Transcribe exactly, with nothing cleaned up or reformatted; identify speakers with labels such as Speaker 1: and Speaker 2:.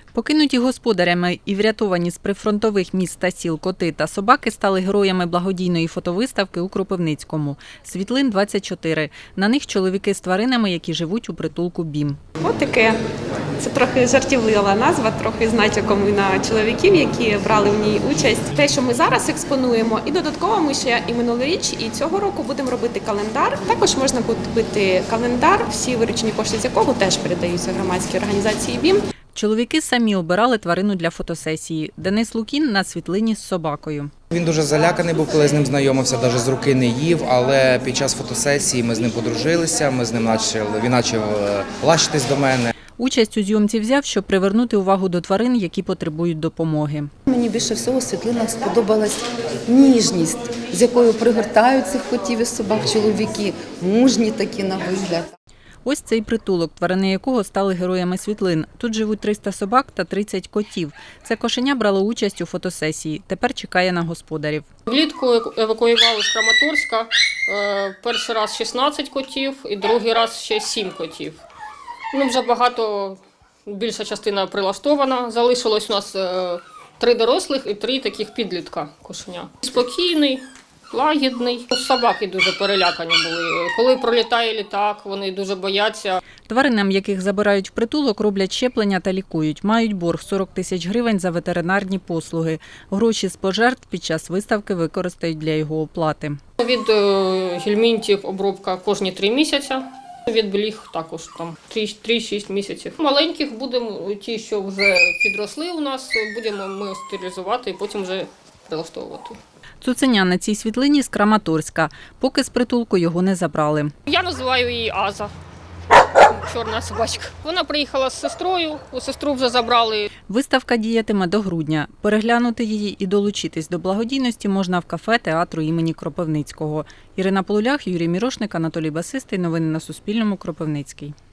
Speaker 1: Покинуті господарями і врятовані з прифронтових міст та сіл коти та собаки стали героями благодійної фотовиставки у Кропивницькому. Світлин двадцять чотири. На них чоловіки з тваринами, які живуть у притулку БІМ.
Speaker 2: Котики – це трохи жартівлива назва, трохи з натяком і на чоловіків, які брали в ній участь. Те, що ми зараз експонуємо, і додатково ми ще і минулоріч, і цього року будемо робити календар. Також можна купити календар, всі виручені кошти з якого теж передаються громадській організації БІМ.
Speaker 1: Чоловіки самі обирали тварину для фотосесії. Денис Лукін на світлині з собакою.
Speaker 3: Він дуже заляканий був, коли з ним знайомився, навіть з руки не їв, але під час фотосесії ми з ним подружилися, ми з ним почали, він почав лащитись до мене.
Speaker 1: Участь у зйомці взяв, щоб привернути увагу до тварин, які потребують допомоги.
Speaker 4: Мені більше всього в світлинах сподобалась ніжність, з якою пригортають цих котів і собак чоловіки, мужні такі на вигляд.
Speaker 1: Ось цей притулок, тварини якого стали героями світлин. Тут живуть триста собак та тридцять котів. Це кошеня брало участь у фотосесії. Тепер чекає на господарів.
Speaker 5: Влітку евакуювали з Краматорська. Перший раз шістнадцять котів і другий раз ще сім котів. Ну, вже багато, більша частина прилаштована. Залишилось у нас три дорослих і три таких підлітка кошеня. Спокійний, лагідний. Собаки дуже перелякані були. Коли пролітає літак, вони дуже бояться.
Speaker 1: Тваринам, яких забирають в притулок, роблять щеплення та лікують. Мають борг сорок тисяч гривень за ветеринарні послуги. Гроші з пожертв під час виставки використають для його оплати.
Speaker 5: Від гельмінтів обробка кожні три місяці. Від бліг також там три-шість місяців. Маленьких будемо, ті, що вже підросли у нас, будемо ми стерилізувати і потім вже прилаштовувати.
Speaker 1: Цуценя на цій світлині з Краматорська. Поки з притулку його не забрали.
Speaker 5: Я називаю її Аза, чорна собачка. Вона приїхала з сестрою, у сестру вже забрали.
Speaker 1: Виставка діятиме до грудня. Переглянути її і долучитись до благодійності можна в кафе театру імені Кропивницького. Ірина Полулях, Юрій Мірошник, Анатолій Басистий. Новини на Суспільному. Кропивницький.